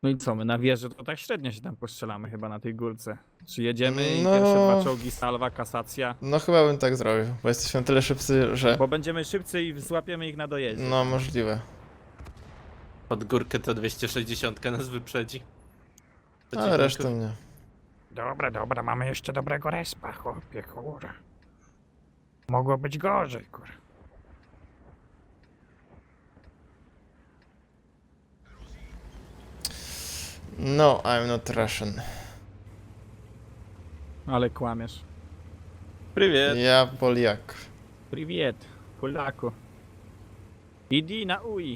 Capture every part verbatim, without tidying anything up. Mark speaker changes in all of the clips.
Speaker 1: No i co, my na wieży to tak średnio się tam postrzelamy chyba na tej górce. Czy jedziemy i
Speaker 2: No.
Speaker 1: pierwsze dwa czołgi, salwa, kasacja?
Speaker 2: No chyba bym tak zrobił, bo jesteśmy na tyle szybcy, że...
Speaker 1: Bo będziemy szybcy i złapiemy ich na dojeździe.
Speaker 2: No możliwe.
Speaker 3: Pod górkę to dwieście sześćdziesiąt nas wyprzedzi.
Speaker 2: Ale
Speaker 3: Przeciwników.
Speaker 2: resztę nie.
Speaker 4: Dobra, dobra, mamy jeszcze dobrego respa, chłopie, kurwa. Mogło być gorzej, kurwa.
Speaker 2: No, I'm not Russian.
Speaker 1: Ale kłamiesz.
Speaker 3: Привет.
Speaker 2: Ja Poliak.
Speaker 1: Привет, Polaku. Idi na ui.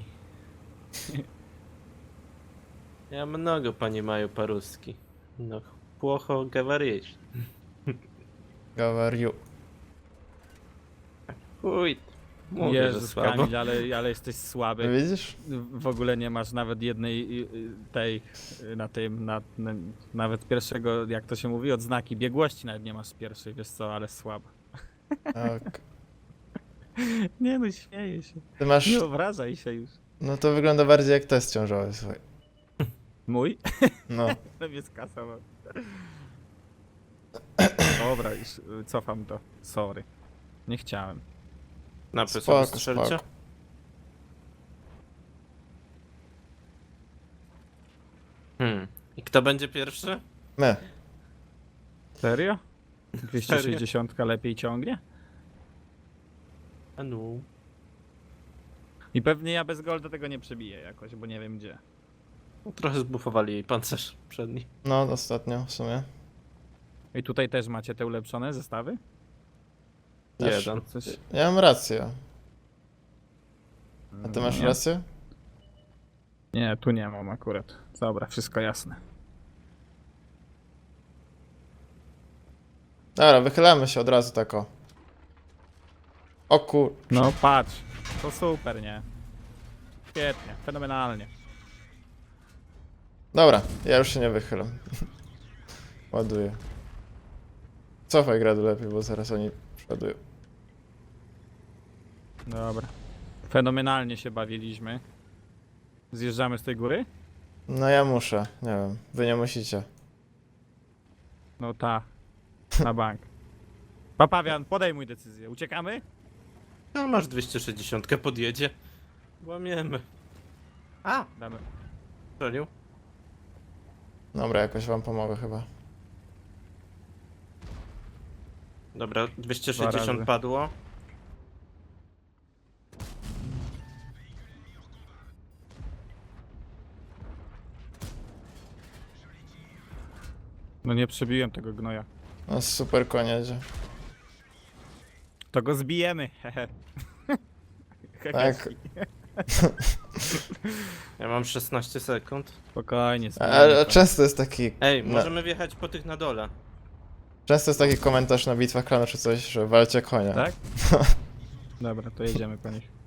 Speaker 3: Я много понимаю по-русски. Но плохо говоришь.
Speaker 2: Gawariu.
Speaker 3: Chuj. Mówię, że
Speaker 1: Jezus,
Speaker 3: słabo.
Speaker 1: Kamil, ale, ale jesteś słaby.
Speaker 2: Widzisz?
Speaker 1: W ogóle nie masz nawet jednej y, y, tej y, na tym, na, na, nawet pierwszego, jak to się mówi, odznaki biegłości nawet nie masz z pierwszej, wiesz co, ale słabo.
Speaker 2: Tak.
Speaker 1: Nie no, śmieję się.
Speaker 2: Ty masz...
Speaker 1: Nie obrażaj się już.
Speaker 2: No to wygląda bardziej jak test ciążowy, słuchaj.
Speaker 1: Mój?
Speaker 2: No.
Speaker 1: No mnie skasował. Dobra, już y, cofam to. Sorry. Nie chciałem.
Speaker 3: Napy
Speaker 2: Spoko,
Speaker 3: sobie strzelcie.
Speaker 2: spoko.
Speaker 3: Hmm. I kto będzie pierwszy?
Speaker 2: My.
Speaker 1: Serio? dwieście sześćdziesiąt lepiej ciągnie?
Speaker 3: A no.
Speaker 1: I pewnie ja bez golda tego nie przebiję jakoś, bo nie wiem gdzie.
Speaker 3: No, trochę zbufowali jej pancerz przedni.
Speaker 2: No, ostatnio w sumie.
Speaker 1: I tutaj też macie te ulepszone zestawy?
Speaker 2: Też.
Speaker 3: Jeden.
Speaker 1: Coś...
Speaker 2: Ja mam rację. A ty masz
Speaker 1: nie.
Speaker 2: rację?
Speaker 1: Nie, tu nie mam akurat. Dobra, wszystko jasne.
Speaker 2: Dobra, wychylamy się od razu tak o. O kur...
Speaker 1: No patrz, to super, nie? Świetnie, fenomenalnie.
Speaker 2: Dobra, ja już się nie wychylam. Ładuję. Cofaj gradu lepiej, bo zaraz oni przodują.
Speaker 1: Dobra. Fenomenalnie się bawiliśmy. Zjeżdżamy z tej góry?
Speaker 2: No ja muszę, nie wiem. Wy nie musicie.
Speaker 1: No ta. Na bank. Papawian, podejmuj decyzję. Uciekamy?
Speaker 3: No masz dwieście sześćdziesiąt podjedzie. Łamiemy. A!
Speaker 1: Damy.
Speaker 3: Strzelił.
Speaker 2: Dobra, jakoś wam pomogę chyba.
Speaker 3: Dobra, dwieście
Speaker 1: Dwa
Speaker 3: sześćdziesiąt
Speaker 1: razy.
Speaker 3: padło.
Speaker 1: No nie przebiłem tego gnoja.
Speaker 2: No super koń jedzie.
Speaker 1: To go zbijemy. Hehe.
Speaker 2: Tak.
Speaker 3: Ja mam szesnaście sekund.
Speaker 1: Spokojnie, zbijemy
Speaker 2: Ale
Speaker 1: to.
Speaker 2: często jest taki...
Speaker 3: Ej,
Speaker 2: na-
Speaker 3: możemy wjechać po tych na dole.
Speaker 2: Często jest taki komentarz na bitwach klanu czy coś, że walcie konia.
Speaker 1: Tak? Dobra, to jedziemy po nich.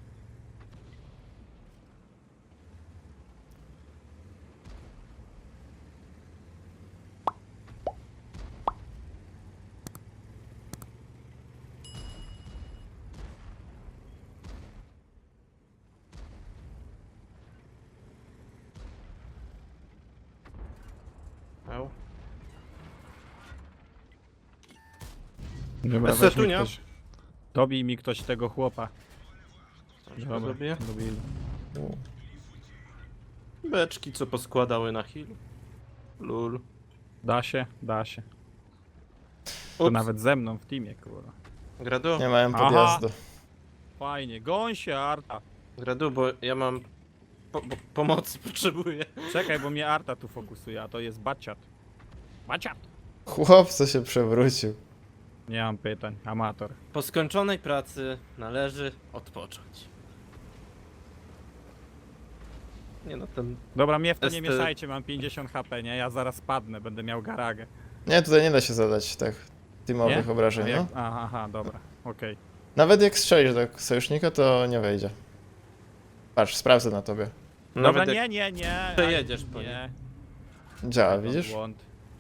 Speaker 3: Au.
Speaker 1: Dobra,
Speaker 3: Esetu,
Speaker 1: weźmie
Speaker 3: nie?
Speaker 1: ktoś. Dobij mi ktoś tego chłopa.
Speaker 3: Coś
Speaker 1: Dobra,
Speaker 3: zrobię.
Speaker 1: dobili.
Speaker 3: Beczki, co poskładały na heal. Lul.
Speaker 1: Da się? Da się. To
Speaker 3: Ups.
Speaker 1: nawet ze mną w teamie, kurwa.
Speaker 3: Gradu,
Speaker 2: Nie mają
Speaker 1: Aha.
Speaker 2: podjazdu.
Speaker 1: Fajnie, goń się, Arta.
Speaker 3: gradu, bo ja mam po, po, pomocy potrzebuję.
Speaker 1: Czekaj, bo mnie Arta tu fokusuje, a to jest baciat. Baciat!
Speaker 2: Chłopco się przewrócił.
Speaker 1: Nie mam pytań, amator.
Speaker 3: Po skończonej pracy należy odpocząć. Nie no, ten...
Speaker 1: Dobra, mnie w to nie
Speaker 3: Jest, y-
Speaker 1: mieszajcie, mam pięćdziesiąt HP, nie? Ja zaraz padnę, będę miał garagę.
Speaker 2: Nie, tutaj nie da się zadać tak teamowych
Speaker 1: Nie?
Speaker 2: obrażeń,
Speaker 1: Jak...
Speaker 2: no.
Speaker 1: Aha, aha, dobra, okej.
Speaker 2: Nawet jak strzelisz do sojusznika, to nie wejdzie. Patrz, sprawdzę na tobie.
Speaker 1: Dobra,
Speaker 3: Nawet
Speaker 1: nie,
Speaker 3: jak
Speaker 1: nie, nie.
Speaker 3: przejedziesz
Speaker 1: ale
Speaker 3: po
Speaker 1: nie.
Speaker 2: Działa,
Speaker 1: Mam
Speaker 2: widzisz?
Speaker 1: Błąd.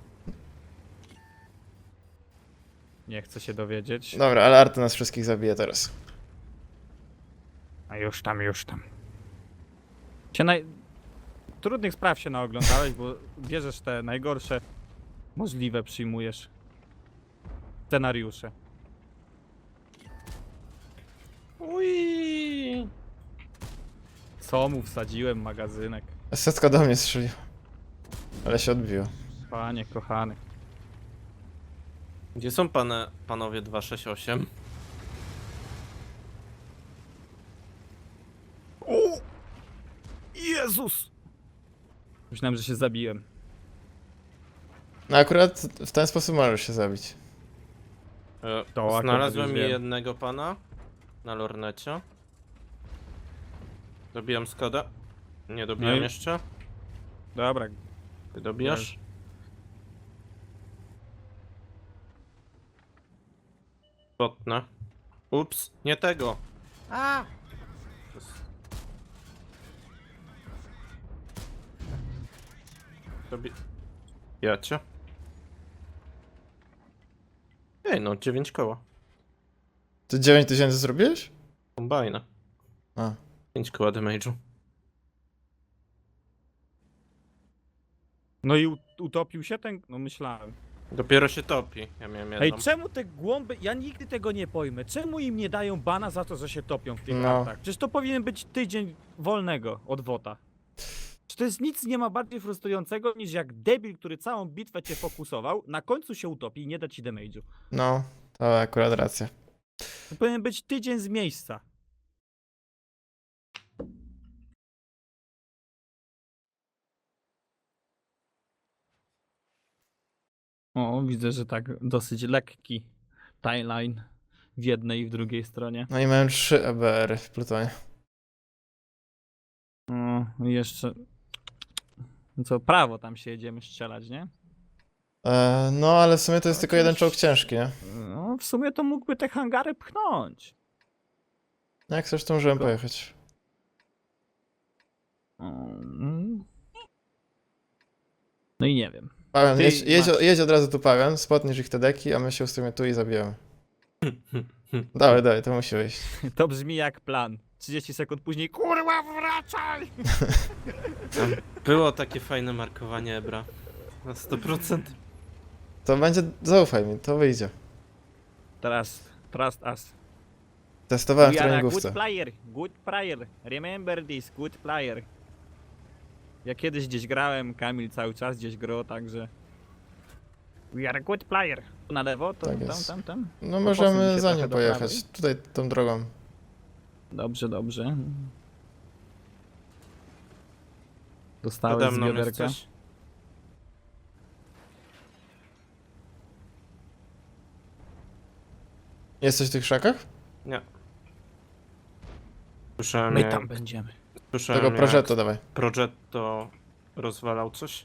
Speaker 1: Nie chcę się dowiedzieć.
Speaker 2: Dobra, ale Arty nas wszystkich zabije teraz.
Speaker 4: A już tam, już tam.
Speaker 1: Cię naj... trudnych spraw się naoglądałeś, bo bierzesz te najgorsze możliwe, przyjmujesz scenariusze.
Speaker 3: Ui.
Speaker 1: Co mu wsadziłem, magazynek.
Speaker 2: Setka do mnie strzeliła. Ale się odbiło.
Speaker 1: Panie kochany.
Speaker 3: Gdzie są pane, panowie dwa sześć osiem?
Speaker 1: O! Jezus! Myślałem, że się zabiłem.
Speaker 2: No akurat w ten sposób możesz się zabić.
Speaker 3: E,
Speaker 1: To akurat
Speaker 3: Znalazłem
Speaker 1: już wiem.
Speaker 3: jednego pana na lornecie. Dobijam Skoda. Nie dobijam
Speaker 1: No i-
Speaker 3: jeszcze.
Speaker 1: Dobra,
Speaker 3: Ty dobijasz? Potnę. Ups, nie tego. A! Dobi... Ja cię. Ej no, dziewięć koła.
Speaker 2: Ty dziewięć tysięcy zrobiłeś?
Speaker 3: Kombajna.
Speaker 2: A.
Speaker 3: pięć koła damage'u.
Speaker 1: no i u- utopił się ten... No myślałem.
Speaker 3: Dopiero się topi. Ja miałem jedną.
Speaker 1: Ej, czemu te głąby... Ja nigdy tego nie pojmę. Czemu im nie dają bana za to, że się topią w tych
Speaker 2: No.
Speaker 1: autach? Przecież to powinien być tydzień wolnego od wota. Czy to jest nic nie ma bardziej frustrującego niż jak debil, który całą bitwę cię fokusował, na końcu się utopi i nie da ci damage'u.
Speaker 2: No, to akurat racja.
Speaker 1: To powinien być tydzień z miejsca. O, widzę, że tak dosyć lekki timeline w jednej i w drugiej stronie.
Speaker 2: No i miałem trzy E B R-y w Plutonie.
Speaker 1: O, i jeszcze... Co, prawo tam się jedziemy strzelać, nie?
Speaker 2: E, no ale w sumie to jest tylko jeden czołg ciężki, nie?
Speaker 1: No, w sumie to mógłby te hangary pchnąć.
Speaker 2: No jak chcesz, to możemy
Speaker 1: Tylko-
Speaker 2: pojechać.
Speaker 1: Mm. No i nie wiem.
Speaker 2: Paweł,
Speaker 1: Ty
Speaker 2: jedź, jedź,
Speaker 1: masz-
Speaker 2: jedź od razu tu Paweł, spotniesz ich te deki, a my się ustawimy tu i zabijemy. Dawaj, dawaj, to musi wyjść.
Speaker 1: To brzmi jak plan. trzydzieści sekund później, kurwa, wracaj!
Speaker 3: Było takie fajne markowanie Ebra. Na sto procent.
Speaker 2: To będzie, zaufaj mi, to wyjdzie.
Speaker 1: Teraz, trust us.
Speaker 2: Testowałem w
Speaker 1: We are a good
Speaker 2: treningówce.
Speaker 1: player, good player. Remember this, good player. Ja kiedyś gdzieś grałem, Kamil cały czas gdzieś grał, także...
Speaker 4: We are a good player.
Speaker 1: Na lewo, to
Speaker 2: Tak
Speaker 1: tam,
Speaker 2: jest.
Speaker 1: tam, tam.
Speaker 2: No
Speaker 1: To posuń
Speaker 2: możemy
Speaker 1: się
Speaker 2: za
Speaker 1: trochę
Speaker 2: nim
Speaker 1: do
Speaker 2: pojechać. Tutaj tą drogą.
Speaker 1: Dobrze, dobrze. Dostałeś
Speaker 3: Nade
Speaker 1: z
Speaker 3: mną jest
Speaker 1: bioderka.
Speaker 3: coś?
Speaker 2: Jesteś w tych szakach?
Speaker 3: Nie. Słyszałem,
Speaker 1: My
Speaker 3: jak,
Speaker 1: tam będziemy.
Speaker 3: słyszałem
Speaker 2: Tego
Speaker 3: jak
Speaker 2: Progetto dawaj.
Speaker 3: Progetto rozwalał coś.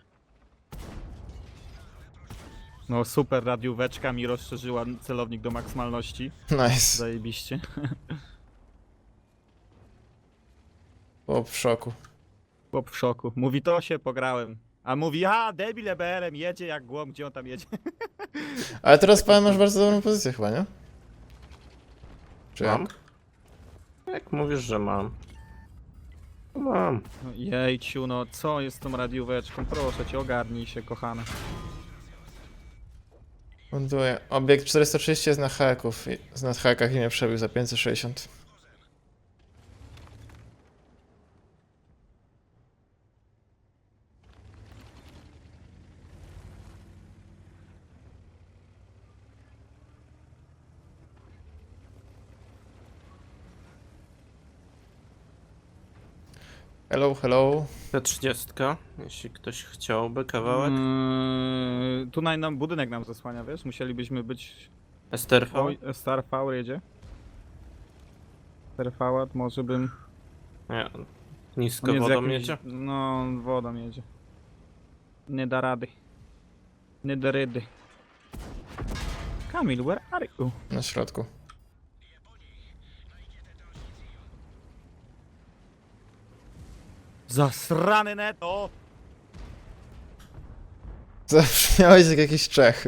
Speaker 1: No super, radióweczka mi rozszerzyła celownik do maksymalności.
Speaker 2: Nice.
Speaker 1: Zajebiście.
Speaker 2: O, w szoku.
Speaker 1: Chłop w szoku. Mówi, to się pograłem. A mówi, a debil E B R-em jedzie jak głąb, gdzie on tam jedzie?
Speaker 2: Ale teraz Paweł masz bardzo dobrą pozycję chyba, nie? Czy
Speaker 3: Mam?
Speaker 2: jak?
Speaker 3: Jak mówisz, że mam? To mam.
Speaker 1: No jejciu, no co jest z tą radióweczką? Proszę cię, ogarnij się, kochana.
Speaker 2: Ląduję. Obiekt czterysta trzydzieści jest na haków. i- Na hakach i mnie przebił za pięćset sześćdziesiąt. Hello, hello.
Speaker 3: T trzydzieści, jeśli ktoś chciałby kawałek.
Speaker 1: Mm, tutaj nam budynek nam zasłania, wiesz? Musielibyśmy być...
Speaker 3: S T R V.
Speaker 1: Oj, Star V jedzie. Star V, może bym...
Speaker 3: Nie.
Speaker 1: On
Speaker 3: Nisko
Speaker 1: jest
Speaker 3: wodą
Speaker 1: jakimś-
Speaker 3: jedzie.
Speaker 1: No, wodą jedzie. Nie da rady. Nie da rady. Kamil, where are you?
Speaker 2: Na środku.
Speaker 1: Zasrany neto!
Speaker 2: Zabrzmiałeś jak jakiś Czech.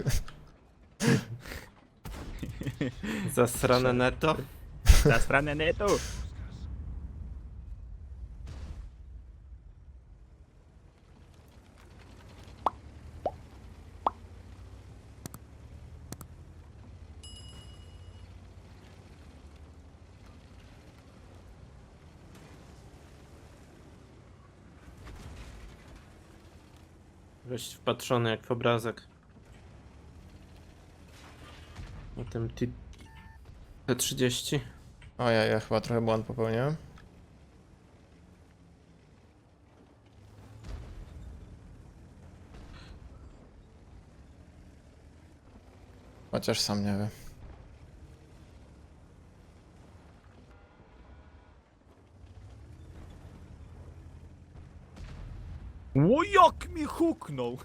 Speaker 3: Zasrane netto.
Speaker 1: Zasrany neto!
Speaker 3: Weź wpatrzony jak w obrazek. Na tym T trzydzieści.
Speaker 2: O ja, ja chyba trochę błąd popełniłem. Chociaż sam nie wiem.
Speaker 1: O, jak mi huknął!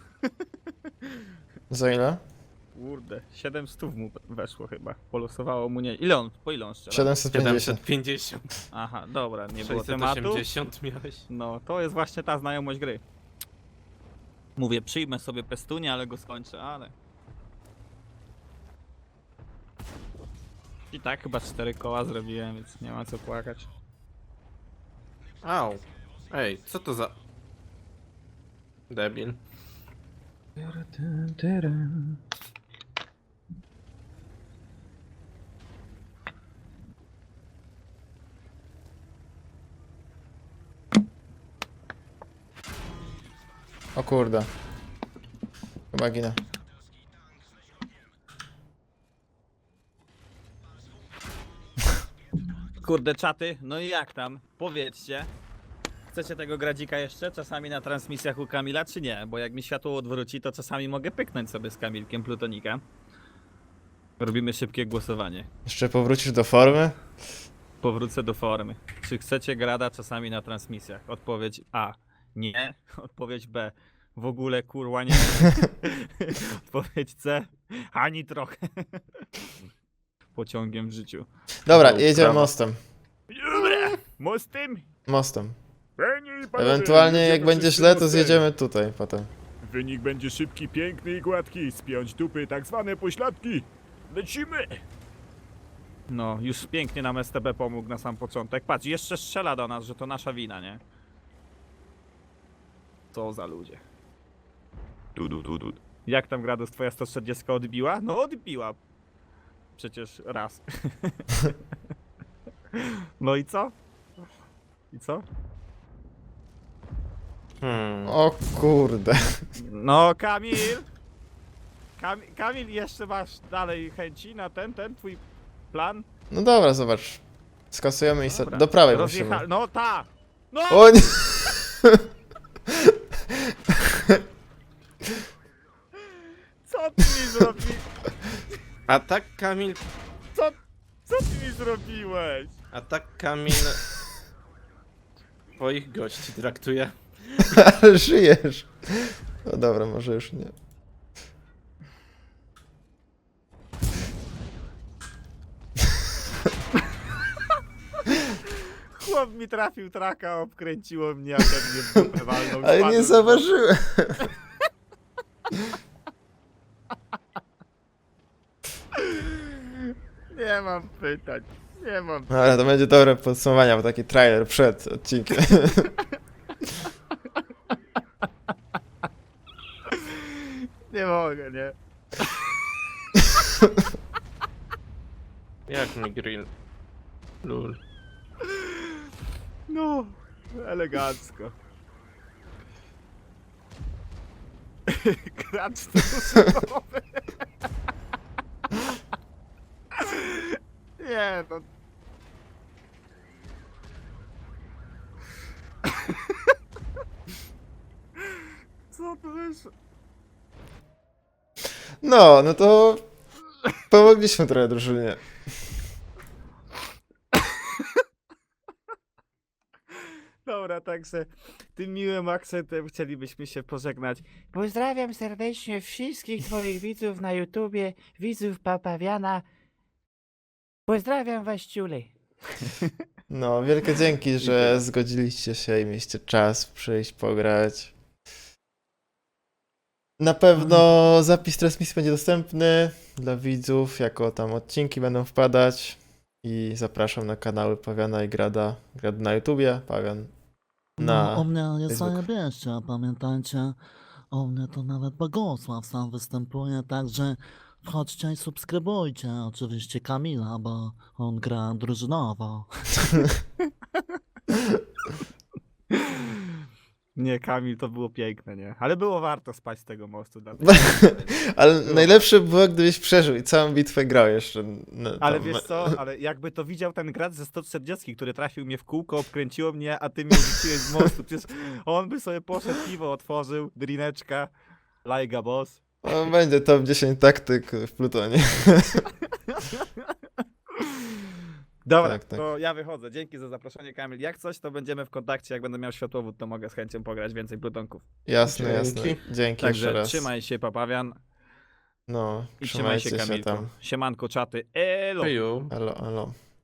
Speaker 2: Za ile?
Speaker 1: Kurde, siedem stów mu weszło chyba. Polosowało mu nie... Ile on? Po ile on strzela?
Speaker 2: siedemset pięćdziesiąt.
Speaker 3: siedemset pięćdziesiąt.
Speaker 1: Aha, dobra, nie było
Speaker 3: sześćset
Speaker 1: tematu.
Speaker 3: osiemdziesiąt miałeś.
Speaker 1: No, to jest właśnie ta znajomość gry. Mówię, przyjmę sobie pestunie, ale go skończę, ale... I tak chyba cztery koła zrobiłem, więc nie ma co płakać.
Speaker 3: Au. Ej, co to za... Debil.
Speaker 2: O kurde. Chyba ginę.
Speaker 1: Kurde, czaty, no i jak tam? Powiedzcie. Chcecie tego gradzika jeszcze? Czasami na transmisjach u Kamila, czy nie? Bo jak mi światło odwróci, to czasami mogę pyknąć sobie z Kamilkiem Plutonika. Robimy szybkie głosowanie.
Speaker 2: Jeszcze powrócisz do formy?
Speaker 1: Powrócę do formy. Czy chcecie grada czasami na transmisjach? Odpowiedź A. Nie. Odpowiedź B. W ogóle kurwa nie. Odpowiedź C. Ani trochę. Pociągiem w życiu.
Speaker 2: Dobra,
Speaker 1: No,
Speaker 2: jedziemy
Speaker 1: prawo.
Speaker 2: mostem.
Speaker 1: Dobra. Mostem?
Speaker 2: Mostem.
Speaker 4: Panie i panowie,
Speaker 2: Ewentualnie jak
Speaker 4: jedziemy
Speaker 2: będzie
Speaker 4: wszyscy
Speaker 2: źle, to
Speaker 4: mostem.
Speaker 2: zjedziemy tutaj potem.
Speaker 4: Wynik będzie szybki, piękny i gładki. Spiąć dupy, tak zwane pośladki. Lecimy!
Speaker 1: No, już pięknie nam S T B pomógł na sam początek. Patrz, jeszcze strzela do nas, że to nasza wina, nie? Co za ludzie. Du, du, du, du. Jak tam Gradus twoja sto czterdzieści odbiła? No odbiła. Przecież raz. No i co? I co?
Speaker 3: Hmm.
Speaker 2: O kurde.
Speaker 1: No Kamil! Kam Kamil, jeszcze masz dalej chęci na ten, ten twój plan?
Speaker 2: No dobra, zobacz. Skasujemy i se...
Speaker 1: Dobra.
Speaker 2: do prawej
Speaker 1: Rozjecha-
Speaker 2: musimy.
Speaker 1: No ta! No!
Speaker 2: O nie!
Speaker 1: Co ty mi zrobiłeś?
Speaker 3: A tak Kamil...
Speaker 1: Co, co ty mi zrobiłeś?
Speaker 3: A tak Kamil... Twoich gości traktuje.
Speaker 2: Ale żyjesz. No dobra, może już nie.
Speaker 1: Chłop mi trafił traka, obkręciło mnie, a ten mnie w dupę walnął.
Speaker 2: Ale nie
Speaker 1: spadłem.
Speaker 2: zauważyłem.
Speaker 1: Nie mam pytań. Nie mam.
Speaker 2: Ale to będzie dobre podsumowanie, bo taki trailer przed odcinkiem.
Speaker 1: Nie mogę, nie.
Speaker 3: Jak mi grill? Lul.
Speaker 1: No, elegancko. Gracz trusowy. Nie, no. Co to wyszło?
Speaker 2: No, no to pomogliśmy trochę drużynie.
Speaker 1: Dobra, także tym miłym akcentem chcielibyśmy się pożegnać. Pozdrawiam serdecznie wszystkich twoich widzów na YouTubie, widzów Papawiana. Pozdrawiam was, ciule.
Speaker 2: No, wielkie dzięki, że zgodziliście się i mieliście czas przyjść pograć. Na pewno zapis transmisji będzie dostępny dla widzów, jako tam odcinki będą wpadać. I zapraszam na kanały Pawiana i Grada. Grad na YouTubie, Pawian na
Speaker 5: No, u mnie jest
Speaker 2: Facebooku.
Speaker 5: zajebiście, pamiętajcie, u mnie to nawet Bogosław sam występuje, także wchodźcie i subskrybujcie, oczywiście Kamila, bo on gra drużynowo.
Speaker 1: Nie, Kamil, to było piękne, nie? Ale było warto spać z tego mostu. Dla
Speaker 2: Ale najlepsze było, gdybyś przeżył i całą bitwę grał jeszcze. No,
Speaker 1: Ale
Speaker 2: tam-
Speaker 1: wiesz co, ale jakby to widział ten gracz ze sto czterdzieści, który trafił mnie w kółko, obkręciło mnie, a ty mnie rzuciłeś z mostu. Przecież on by sobie poszedł, piwo otworzył, drineczka, lajga boss.
Speaker 2: No, będzie top dziesięć taktyk w Plutonie.
Speaker 1: Dobra,
Speaker 2: Tak, tak.
Speaker 1: to ja wychodzę. Dzięki za zaproszenie, Kamil. Jak coś, to będziemy w kontakcie. Jak będę miał światłowód, to mogę z chęcią pograć więcej plutonków.
Speaker 2: Jasne,
Speaker 3: Dzięki.
Speaker 2: jasne. Dzięki jeszcze
Speaker 1: Także
Speaker 2: raz.
Speaker 1: trzymaj się, Papawian.
Speaker 2: No,
Speaker 1: I trzymaj
Speaker 2: trzymajcie
Speaker 1: się,
Speaker 2: się
Speaker 1: Kamilku.
Speaker 2: tam.
Speaker 1: Siemanko, czaty. Elo!
Speaker 3: Heju.
Speaker 2: Elo, elo.